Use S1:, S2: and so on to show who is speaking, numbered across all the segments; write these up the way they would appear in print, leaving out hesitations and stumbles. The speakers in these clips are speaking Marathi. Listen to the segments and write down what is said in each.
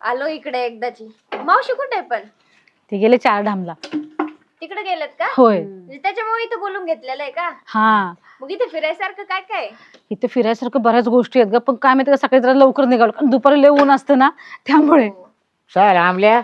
S1: आलो इकडे एकदाची. मावशी कुठे आहे पण?
S2: ते गेले 4 धामला.
S1: तिकडे गेलेत का?
S2: होय.
S1: म्हणजे त्याच्यामुळे इथं बोलून घेतलेलं आहे का?
S2: हा,
S1: मग इथे फिरायसारखं काय काय?
S2: इथे फिरायसारखं बऱ्याच गोष्टी आहेत ग, पण काय माहिती का सकाळी जरा लवकर निघालो कारण दुपारी लय ऊन असतं ना त्यामुळे.
S3: चल आमल्या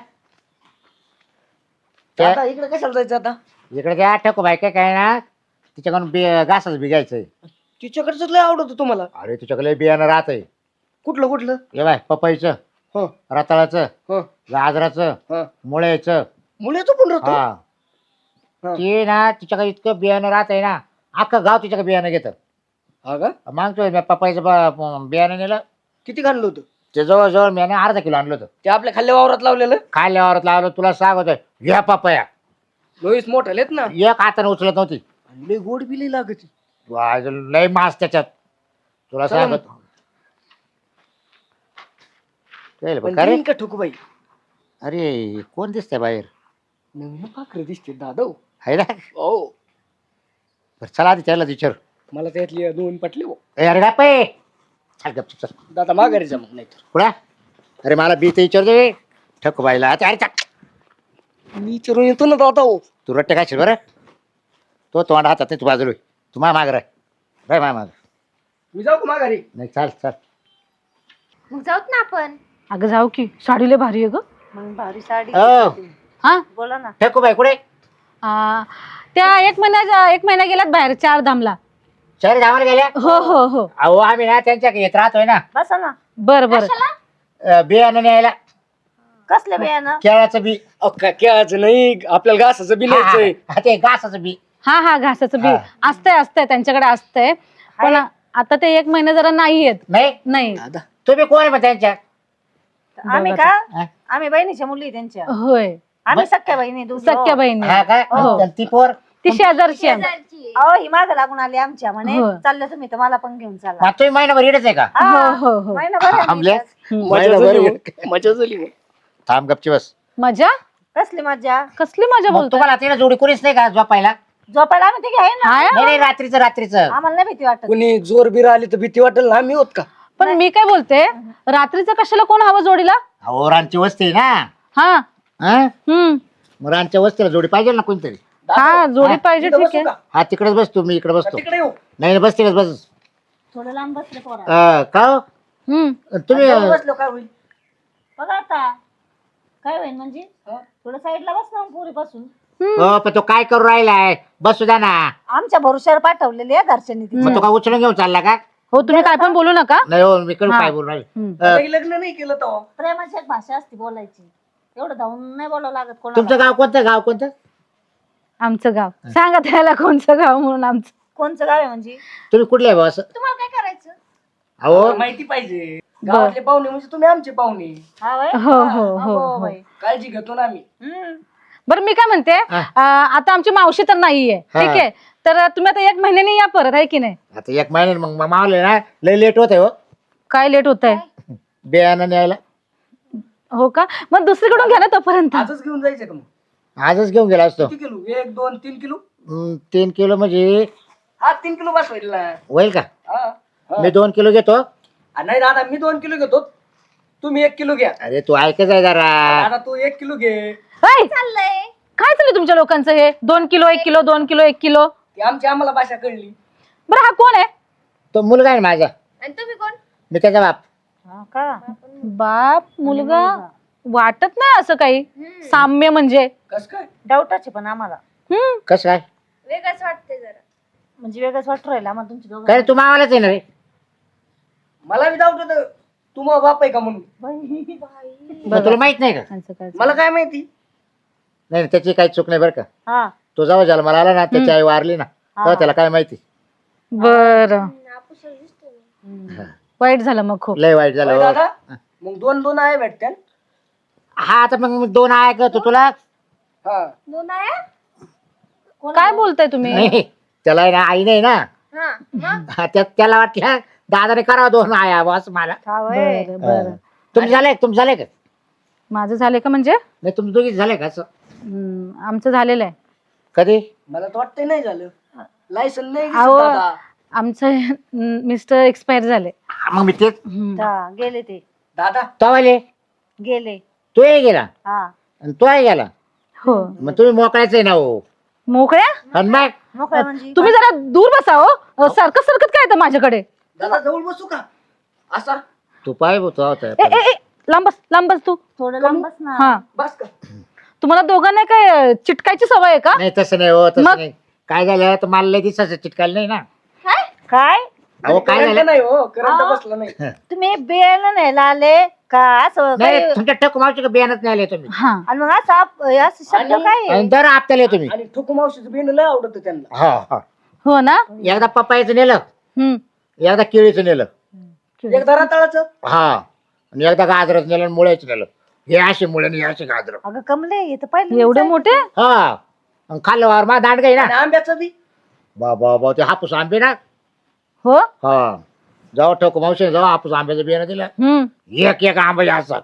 S4: आता इकडे कशाला जायचं आता?
S3: इकडे घ्या ठेको बाय काय ना तिच्याकडून घासच बिघायचंय.
S4: तिच्याकडचं लय आवडतं तुम्हाला.
S3: अरे तुझ्याकडे बियाणं राहतंय.
S4: कुठलं कुठलं?
S3: हे बाय पपईचं,
S4: हो
S3: रताळाचं,
S4: हो
S3: गाजराचं,
S4: हा.
S3: मुळ्याचं.
S4: मुळ्याचं पण राहतो.
S3: हा
S4: हा.
S3: ते ना तिच्याकडे इतकं बियाणं राहतंय ना अख्खं गाव तिच्याकडे बियाणं घेतं.
S4: हा का?
S3: मागतोय मी पपईचं बियाणं नेलं.
S4: किती घाललं होतं?
S3: ते जवळजवळ मी अर्धा किलो आणलं होतं.
S4: ते आपल्या खाल्ल्या वावरात लावलेलं.
S3: खाल्ल्यावर लावलं तुला सांगतोय घ्या पपया.
S4: लोईस मोठाले आहेत ना.
S3: एक हाताने उचलत नव्हती.
S4: आणि लय गोड बी लय लागत.
S3: लय मास त्याच्यात तुला
S4: चला
S3: सांगत.
S4: पण
S3: अरे
S4: देईन का ठोकूबाई?
S3: अरे कोण दिसतंय बाहेर?
S4: नवीन पाखरं दिसते दादा.
S3: आहे ना?
S4: हो.
S3: बरं, चला आधी त्याला विचार.
S4: मला त्यातली दोन पटले हो.
S3: अरे बापे चल गपचूप चल.
S4: दादा माघारी जा मग नाही तर.
S3: कुणा? अरे मला बी ते विचार दे ठक बाईला. अरे चल.
S4: मी विचारून येतो ना दादा. हो
S3: तू रट्टे काय बरं तो तोंड हातात नाही तू बाजूला तू मा माग राय मा माग.
S4: मी जाऊ का माघारी?
S3: नाही चाल चाल.
S1: मग जाऊत ना आपण.
S2: अगं जाऊ की, साडी लय भारी आहे ग.
S1: मग भारी साडी.
S3: हो
S2: हा,
S1: बोला ना.
S3: ठकू बाई कुठे?
S2: त्या 1 महिना गेल्यात बाहेर 4 धामला.
S3: शहर गावाला गेल्या.
S2: हो हो हो.
S3: अहो आम्ही ना त्यांच्या येत राहतोय ना.
S1: बसा ना.
S2: बर बर.
S3: बियाणं न्यायला.
S1: कसलं बियाणं?
S3: केळाचं बी.
S4: केळाचं नाही, आपल्याला घासाचं बी न्यायचंय.
S3: हा, ते घासाचं बी.
S2: हा हा, घासाचं बी
S3: हा.
S2: असतंय त्यांच्याकडे असतंय, पण आता ते 1 महिना जरा नाही येत.
S3: नाही
S2: नाही.
S4: दादा
S3: तुम्ही कोण आहे मग त्यांच्या?
S1: आम्ही का?
S3: हा?
S1: आम्ही बहिणीच्या मुली आहे त्यांच्या.
S2: होय,
S1: आम्ही सख्या बहिणी दोघी.
S2: सख्या बहिणी.
S3: हा काय
S2: हो.
S3: चल, ती पोर.
S2: ती शेजारची आहे.
S1: अहो ही माग लागून आली आमच्या म्हणे.
S2: हो.
S1: चाललं तुम्ही तर मला पण घेऊन चला.
S3: मग तुम्ही महिनाभर येडच आहे का?
S2: हो हो हो.
S1: महिनाभर आहे
S3: आमल्या?
S1: आम्ही.
S4: मजा
S3: महिनाभर
S4: झाली
S3: येड.
S4: हो. मजा झाली हो.
S3: थांब गपची बस.
S2: मजा?
S1: कसली मजा?
S2: कसली मजा
S3: मग
S2: बोलतोय?
S3: तुम्हाला तिला जोडी कोणीच नाही का झोपायला?
S1: झोपायला आम्ही तिघे आहे ना.
S2: हाय,
S3: नाही नाही रात्रीचं
S1: आम्हाला नाही भीती वाटत.
S4: कुणी जोर बीर आली तर भीती वाटेल ना. आम्ही होत का?
S2: पण मी काय बोलते, रात्रीचं कशाला कोण हवं जोडीला?
S3: अहो रानची वस्ती आहे ना.
S2: हा.
S3: हा?
S2: हम्म.
S3: मग रानच्या वस्तीला जोडी पाहिजे ना कोणतरी.
S2: हा, जोडी पाहिजे.
S4: इथं
S2: ठीक
S4: बसू
S2: आहे.
S4: का?
S3: हा तिकडेच बसतो मी इकडे बसतो.
S4: तिकडे येऊ.
S3: नाही बस तिकडेच बस.
S1: थोडं लांब बसले पोरा.
S3: का हो? तुम्ही
S4: जाऊन बसलो काय होईल?
S1: बघा आता काय होईल म्हणजे थोडं साईडला बस ना पुरी पासून.
S3: हो पण तो काय करू राहिलाय? बसू द्या ना.
S1: आमच्या भरोश्यावर पाठवलेली आहे घरच्यांनी ती.
S3: मग तो काय उचलून घेऊन चालला का?
S2: हो, तुम्ही काय पण बोलू नका.
S3: नाही हो मी करू
S2: हा.
S3: काय बोलू राहिले.
S4: लगे लग्न नाही केलं तर
S1: प्रेमाची एक भाषा असते बोलायची. एवढं धावून नाही बोलावं लागत
S3: तुमचं
S1: कोणाला.
S3: गाव कोणतं? गाव कोणतं?
S2: आमचं गाव सांगा त्याला कोणचं गाव म्हणून. आमचं
S1: कोणचं गाव आहे म्हणजे?
S3: तुम्ही कुठले आहे भाऊ असं?
S1: तुम्हाला काय करायचं?
S3: अहो
S4: माहिती पाहिजे. गावातले पाहुणे म्हणजे तुम्ही आमचे पाहुणे.
S1: हा वय?
S2: हो, हो, हो,
S1: अगो
S2: हो.
S1: बाई.
S4: काळजी घेतो ना आम्ही.
S2: बरं मी काय म्हणते, आता आमची मावशी तर नाहीये,
S3: हा.
S2: ठीक आहे, तर तुम्ही आता 1 महिन्याने या परत, आहे की नाही?
S3: आता 1 महिन्याने मग मावले ना लय लेट होत आहे हो
S2: काय लेट होत आहे?
S3: बियाणं न्यायला.
S2: हो का? मग दुसरीकडून घ्या ना तोपर्यंत.
S4: आजच घेऊन जायचं का मग?
S3: आजच घेऊन गेला असतो.
S4: किती किलो? 1 2 3 किलो?
S3: 3 किलो म्हणजे
S4: हा 3 किलो बस होईल ना.
S3: होईल का?
S4: हा.
S3: मी 2 किलो घेतो.
S4: नाही दादा मी 2 किलो घेतो. तुम्ही 1 किलो घ्या.
S3: अरे तू ऐकच आहे जरा.
S4: दादा तू 1 किलो घे.
S2: ऐ,
S1: चाललंय.
S2: काय चाललंय तुमच्या लोकांचं हे? 2 किलो 1 किलो 2 किलो 1 किलो.
S4: ती आमची आम्हाला भाषा कळली.
S2: बरं हा कोण आहे?
S3: तो मुलगा आहे ना माझा.
S1: आणि तुम्ही कोण?
S3: मी त्याचा बाप.
S1: हा का?
S2: बाप मुलगा वाटत नाही असं काही साम्य म्हणजे.
S4: कस काय?
S1: डाऊटाचे पण आम्हाला
S3: कसं काय?
S1: वेगळंच वाटते जरा. म्हणजे वेगळंच वाटू राहिलं आम्हाला तुमची दोघं.
S3: काय रे, तू मावालाच आहे ना रे?
S4: मला बी डाऊट होतं तू मग बाप आहे का म्हणून.
S3: मग तुला माहित नाही का?
S2: त्यांचं काय
S4: मला काय माहिती.
S3: नाही त्याची काही चूक नाही बरं का.
S1: हा.
S3: तो जेव्हा जन्माला आला ना त्याची आई वारली ना तेव्हा त्याला काय माहिती.
S2: बरं, वाईट झालं मग खूप.
S3: लय वाईट झालं
S4: होय
S3: हो.
S4: दादा मग 2 आहे भेटत्या.
S3: हा आता मग 2 आहे का तुला?
S4: हा
S1: दोन आहे?
S2: काय बोलताय तुम्ही?
S3: नाही त्याला आहे ना आई नाही ना.
S1: हा. मग?
S3: हा, त्याला वाटलं दादाने करावं 2 आया बस मला.
S1: हा वय.
S2: बरं बरं.
S3: तुमचं झालंय का?
S2: माझं झालंय का म्हणजे?
S3: नाही तुमचं दोघीच झालंय का असं?
S2: आमचं झालेलं आहे.
S3: कधी?
S4: मला तर वाटतंय नाही झालं. लायसन नाही
S2: अहो,
S4: दिसत दादा.
S2: आमचं मिस्टर एक्सपायर झाले.
S3: मग मी तेच
S1: हा, गेले ते.
S4: दादा
S3: तवाले
S1: गेले.
S3: तोही गेला
S1: हा
S3: आणि तोही गेला.
S2: हो
S3: मग तुम्ही मोकळायचं आहे ना हो.
S2: मोकळ्या
S3: आणि मग
S1: मोकळ्या म्हणजे
S2: तुम्ही जरा दूर बसा हो सारखं सारखं काय येतं माझ्याकडे.
S4: दादा जवळ बसू का असा
S3: तू पाय होतो होता
S2: ए ए ए, लांब बस तू.
S1: थोडं लांब बस ना.
S2: हा
S4: बस का
S2: तुम्हाला दोघांना काय चिटकायची सवय आहे का?
S3: नाही तसं नाही हो तसं
S2: मग?
S3: नाही. काय झालं तर मला लय दिवसाचं चिटकायला नाही ना.
S1: काय
S3: अहो काय
S4: करंट
S3: झालं
S4: नाही हो करंट
S1: हा.
S4: बसला नाही
S1: तुम्ही बियाणं न्यायला आले का असं
S3: नाही
S1: काय?
S3: तुमच्या ठक मावशी बियाणच नाही आले तुम्ही.
S2: हा
S1: आणि मग असं शब्द
S4: आणि-
S1: काय आहे?
S3: आणि दर आपल्याला तुम्ही.
S4: आणि ठोकू मावशीचं बिन लय आवडत त्यांना
S3: हा हा
S2: हो ना.
S3: एकदा पप्पायचं नेलं
S2: हम्म
S3: एकदा केळीचं नेलं
S4: एकदा रताळाचं
S3: हा आणि एकदा गाजरच नेलं आणि मुळ्याचं नेलं. हे असे मुळे आणि हे असे गाजर.
S1: अगं कमले हे तर पहिले
S2: एवढे मोठे.
S3: हा आणि खाल्लं वार मा दांड गाई ना.
S4: आणि आंब्याचं बी
S3: बाबा ते हापूस आंबे ना.
S2: हो
S3: हा जाऊ ठोक मावशी जाऊ हापूस आंब्याचं बियाणं दिलं. एक एक आंबा असं.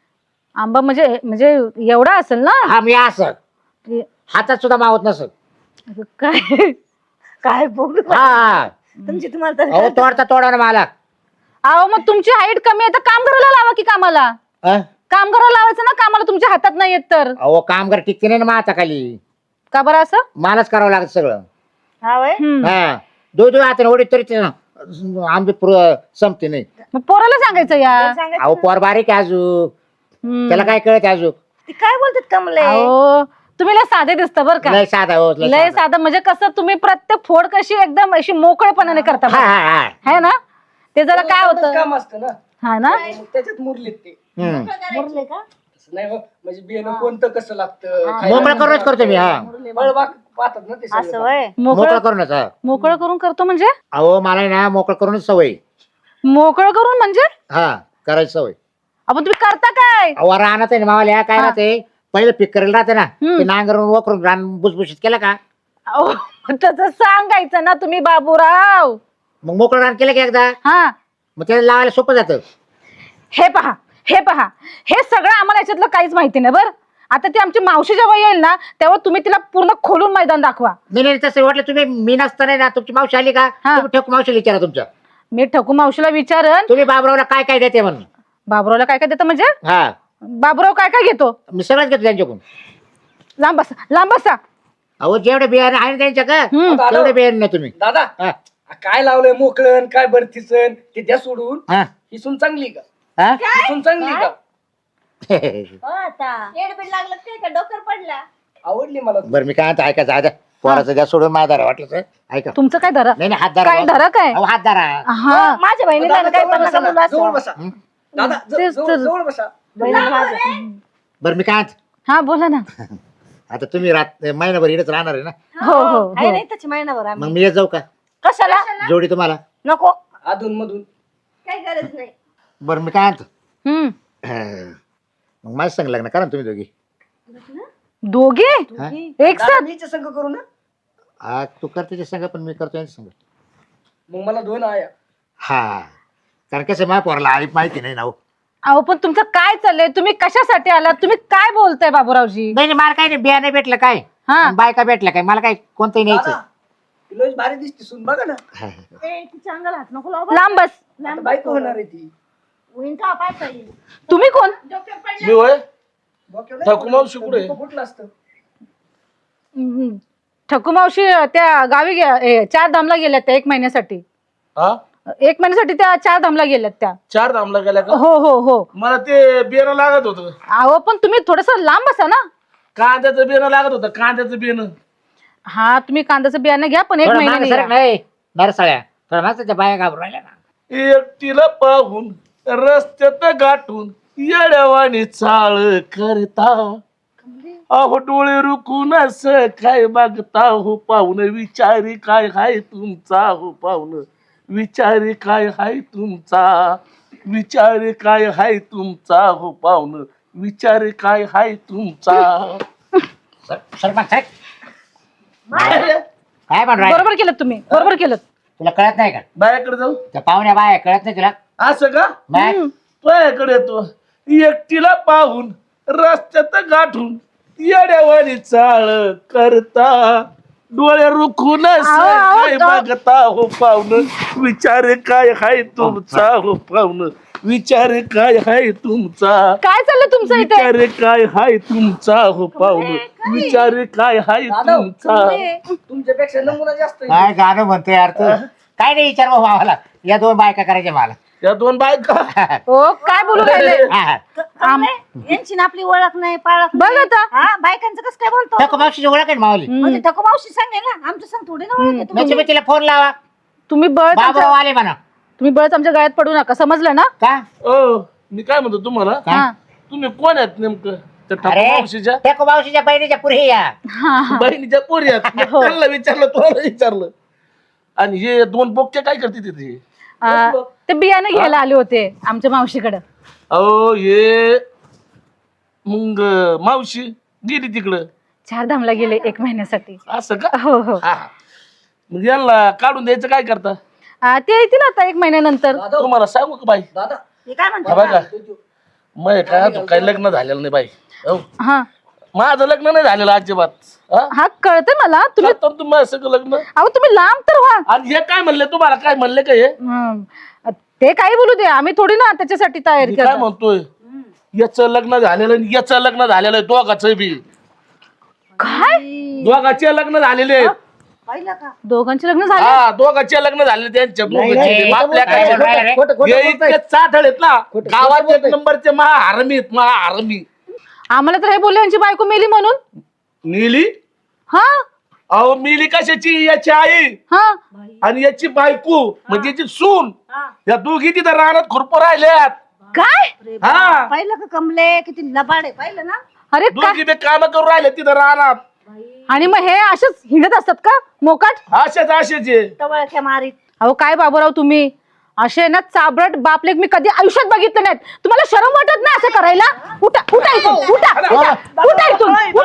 S2: आंबा म्हणजे म्हणजे एवढा असेल ना.
S3: हा मी असं
S2: ते-
S3: हातात सुद्धा मावत नसत.
S2: अगं, काय
S1: काय बोलू
S3: हा
S1: तुमची तुम्हाला
S3: अहो
S1: तर
S3: तोडता तोडा ना मला.
S2: अहो मग तुमची हाईट कमी आहे तर काम करायला लावा की कामाला.
S3: अं?
S2: काम करायला लावायचं ना कामाला तुमच्या हातात नाही येत तर.
S3: अहो काम कर टिकते नाही ना माझ्या खाली.
S2: का बरं असं.
S3: मलाच करावं लागत सगळं.
S1: हा वय
S2: हम्म.
S3: हा दो हाताने ओढीत तरी ते आंबे संपते नाही.
S2: मग पोराला सांगायचं या.
S3: अहो पोर बारीक आहे अजून.
S2: हम्म.
S3: त्याला काय कळत अजून.
S1: ती काय बोलतात कमले
S2: अहो तुम्ही लय साधे दिसता बरं का.
S3: लय साधा हो
S2: लय साधं म्हणजे कसं तुम्ही प्रत्येक फोड कशी एकदम अशी मोकळेपणाने करता
S3: हा
S2: बरं.
S3: हा हा
S2: है ना. ते जरा काय होतं.
S4: काम असतं ना
S2: हा ना.
S4: मग त्याच्यात मुरलीत ते
S3: हम्म.
S1: मुरले का
S4: तसं नाही हो. म्हणजे बियाणं कोणतं कसं लागतं काय
S3: मोकळं करूनच करतो मी. हा
S4: फळबाग पाहतात ना ते सगळं.
S1: असं वय
S3: मोकळं
S2: मोकळं
S3: करूनच. हा
S2: मोकळं करून करतो म्हणजे.
S3: अहो मला ना मोकळं करूनच सवय.
S2: मोकळं करून म्हणजे.
S3: हा करायची सवय.
S2: आपण तुम्ही करता काय.
S3: अहो राहणार आहे ना मावाल्या काय
S2: हा.
S3: राहते पहिलं पीक करायला राहते ना
S2: हम्म.
S3: ते नांगरून वकरून रान बुसबुशीत केलं का
S2: अहो, तसं सांगायचं ना तुम्ही बाबूराव.
S3: मग मोकळं रान केलं की एकदा
S2: हा
S3: मग त्याला लावायला सोपं जातं.
S2: हे पहा हे सगळं आम्हाला याच्यातलं काहीच माहिती नाही बरं. आता ती आमची मावशी जेव्हा येईल ना तेव्हा तुम्ही तिला पूर्ण खोलून मैदान दाखवा.
S3: नाही तसं वाटलं तुम्ही मी नसताना ना तुमची मावशी आली का
S2: हा.
S3: तुम्ही ठोक मावशीला विचारा तुमच्या.
S2: मी ठकू मावशीला विचारन
S3: तुम्ही बाबरावला काय काय देते म्हणून.
S2: बाबुरावला काय काय देतं म्हणजे.
S3: हा
S2: बाबुराव काय काय घेतो.
S3: मी सगळंच घेतो त्यांच्याकडून.
S2: लांब बसा.
S3: अहो जेवढे बियाणे आहे ना त्यांच्या का
S2: हम्म.
S3: तेवढे बियाणे नाही तुम्ही.
S4: दादा
S3: हा.
S4: काय लावलंय मोकळण काय बरतीसन ते द्या सोडून
S3: हा.
S4: ही सून चांगली का
S3: हा?
S4: ही सून चांगली का
S1: हो आता येडबीड लागलं काय का डोकर पडला
S4: आवडली मला
S3: बरं मी काय म्हणतो ऐका जा द्या पोराचं द्या सोडून माझा दारा वाटलं तर ऐका.
S2: तुमचं काय धरा.
S3: नाही हात दारा
S2: काय धरा काय.
S3: अहो हात दारा.
S2: हा
S1: माझ्या बहिणीला
S4: दादा,
S1: काय
S4: जवळ
S1: पण
S4: बसा
S1: नका
S4: ना,
S1: बोलू
S4: जवळ
S1: असं.
S4: बसा दादा
S2: तेच तर.
S4: जवळ बसा
S1: बहिणी माझ्या
S3: बरं मी काय म्हणतो,
S2: हा बोला ना.
S3: आता तुम्ही महिनाभर इकडेच राहणार आहे ना
S2: हो
S1: आहे नाही त्याची महिनाभर
S3: मग
S1: आम्ही
S3: मी येत जाऊ का
S1: कशाला
S3: जोडी तुम्हाला.
S1: नको
S4: अधून मधून
S1: काही गरज नाही
S3: बरं मी काय म्हणतो
S2: हम्म.
S3: मग माझं संग लग्न करा ना तुम्ही दोघी.
S2: दोघे
S3: हा?
S2: एक साथ.
S4: मीच संघ करू ना
S3: हा तू करते ते संग पण मी करतो यांच्या संग.
S4: मग मला दोन आया
S3: हा कारण कसं माझ्या पोराला आई माहिती नाही ना हो.
S2: अहो पण तुमचं काय चाललंय. तुम्ही कशासाठी आलात. तुम्ही काय बोलताय बाबूरावजी.
S3: नाही मला काय नाही बियाणे भेटलं काय
S2: हा.
S3: आणि बायका भेटल्या काय मला काय कोणतंही न्यायचं.
S4: दादा, तिला भारी दिसते सून बघा ना
S1: तिच्या अंगाला हात नको लावू बरं.
S2: लांब बस.
S4: आता बायको होणार आहे ती
S1: होईन का पाय पाहिजे
S2: तुम्ही कोण.
S5: मी होय
S4: डोक्यावर
S5: ठाकू मावशी कुठे आहे?
S4: डोकं फुटलं असतं
S2: ठकू मावशी त्या गावी चार धामला गेल्यात त्या 1 महिन्यासाठी.
S5: हा
S2: 1 महिन्यासाठी त्या 4 धामला गेल्यात त्या.
S5: 4 धामला गेल्या का
S2: हो
S5: मला ते बियाणं लागत होतं
S2: अहो पण तुम्ही थोडस लांब बसा ना.
S5: कांद्याचं बियाणं लागत होतं कांद्याचं बियाणं
S2: हा तुम्ही कांद्याचं बियाणं घ्या पण 1
S3: थोडं मागं सरक
S2: महिन्याने
S3: नाही नरसाळ्या थोडं मागं त्या बाया घाबरून राहिल्या ना.
S5: एकटीला पाहून रस्त्यात गाठून येड्यावानी चाळ करता अहो डोळे रुकून असं काय बघता हो पाहुण विचारी काय हाय तुमचा हो पाहुण विचारी काय हाय तुमचा विचारी काय हाय तुमचा हो पाहुण विचारी काय हाय तुमचा
S3: सरक माग, सरक. काय म्हणून राहिला?
S2: बरोबर केलं तुम्ही. बरोबर केलं.
S3: तुला कळत नाही का
S5: बायाकडे जाऊ
S3: त्या पाहुण्या बाया कळत नाही तुला.
S5: असं का
S3: मग?
S5: तुझ्याकडे येतो एकटीला पाहून रस्त्यात गाठून येड्यावानी चाळ करता डोळे रुखून काय बघता हो पाहुण विचार काय हाय तुमचा हो पाहुण विचार काय हाय तुमचा,
S2: काय चाललं तुमचं इथे?
S5: विचार काय हाय तुमचा हो पाहुणं, विचार काय हाय तुमचा.
S4: तुमच्यापेक्षा नमुना जास्त आहे.
S3: काय गाणं म्हणतोय यार तू? काय नाही विचार भाऊ आम्हाला. या 2 बायका करायच्या मला.
S5: या 2 बायका
S2: हो काय बोलू राहिले?
S3: हा.
S1: यांची ना आपली ओळख नाही पाळख
S2: बघ
S1: नाही.
S2: आता.
S1: हा बायकांचं कसं काय बोलतो
S3: ठकू मावशीची ओळख आहे ना माऊली.
S1: म्हणजे ठकू मावशी सांगे ना आमचं सांग थोडी ना ओळख आहे तुम्ही.
S3: मग तुम्ही तिला फोन लावा.
S2: तुम्ही बळच
S3: बाबूराव आले म्हणा.
S2: तुम्ही बळच आमच्या गळ्यात पडू नका, समजलं ना?
S3: का?
S5: ओ मी काय म्हणतो तुम्हाला,
S2: हा
S5: तुम्ही कोण आहेत नेमकं? त्या ठाकूर
S3: अरे
S5: मावशीच्या
S3: ठकू मावशीच्या बहिणीच्या पुढे या.
S2: हा
S5: बहिणीच्या पोरी आहेत. मी त्यांना विचारलं, तुम्हाला विचारलं. आणि हे 2 बोक्या काय करते तिथे?
S2: ते बियाणं घ्यायला आले होते आमच्या मावशीकडे.
S5: अहो हे मग मावशी गेली तिकडं
S2: 4 धामला गेले 1 महिन्यासाठी.
S5: असं का?
S2: हो हो.
S5: हा. मग यांना काढून द्यायचं काय करता?
S2: ते येतील आता 1 महिन्यानंतर.
S4: दादा
S5: तुम्हाला सांगू का बाई?
S4: दादा
S1: हे काय
S5: हा
S1: म्हणतो
S5: बघा, मग काय अजून काही लग्न झालेलं नाही बाई. हो.
S2: हा
S5: माझं लग्न नाही झालेलं अजिबात. हा?
S2: हा कळतंय मला. तुम्ही
S5: करता ना तुम्ही माझं सगळं लग्न.
S2: अहो तुम्ही लांब तर व्हा.
S5: आणि हे काय म्हणले तुम्हाला? काय म्हणले का हे?
S2: ते काही बोलू दे, आम्ही थोडी ना त्याच्यासाठी तयारी
S5: मी काय
S2: करतो.
S5: म्हणतोय, याचं लग्न झालेलं आणि याचं लग्न झालेलं आहे, दोघांचं बी.
S2: काय?
S5: दोघांचे लग्न झालेले आहेत.
S1: पाहिलं का
S2: दोघांचे लग्न झाले?
S5: हा, दोघांचे लग्न झाले त्यांच्या
S3: नाही,
S5: दोघांचे. आपल्या
S3: काय
S5: काय
S3: बोलताय रे?
S5: हे इतके चाट आहेत ना,
S4: खोटं
S5: गावात 1
S4: बोलताय.
S5: नंबरचे महाहरमी आहेत, महाहरमी.
S2: आम्हाला तर हे बोलले यांची बायको मेली म्हणून.
S5: नीली?
S2: हा
S5: अहो मिली कशाची? याची आई
S2: हा
S5: आणि याची बायको म्हणजे याची सून.
S1: हा.
S5: या दोघी तिथं रानात खुरप राहिल्यात.
S2: काय?
S1: अरे
S5: हा.
S1: बाबा, पाहिलं का कमले किती लबाड आहे पाहिलं ना
S2: अरे काय?
S5: दोघी बी काम करून राहिले तिथं रानात.
S2: आणि मग हे असेच हिंडत असतात का मोकाट?
S5: असेच असेचे.
S1: टवळक्या मारीत
S2: अहो काय बाबूराव तुम्ही असे ना चाबरट बापलेक मी कधी आयुष्यात बघितलं नाहीत. तुम्हाला शरम वाटत नाही असं करायला? उठा उठा इथून, उठा उठा उठा इथून,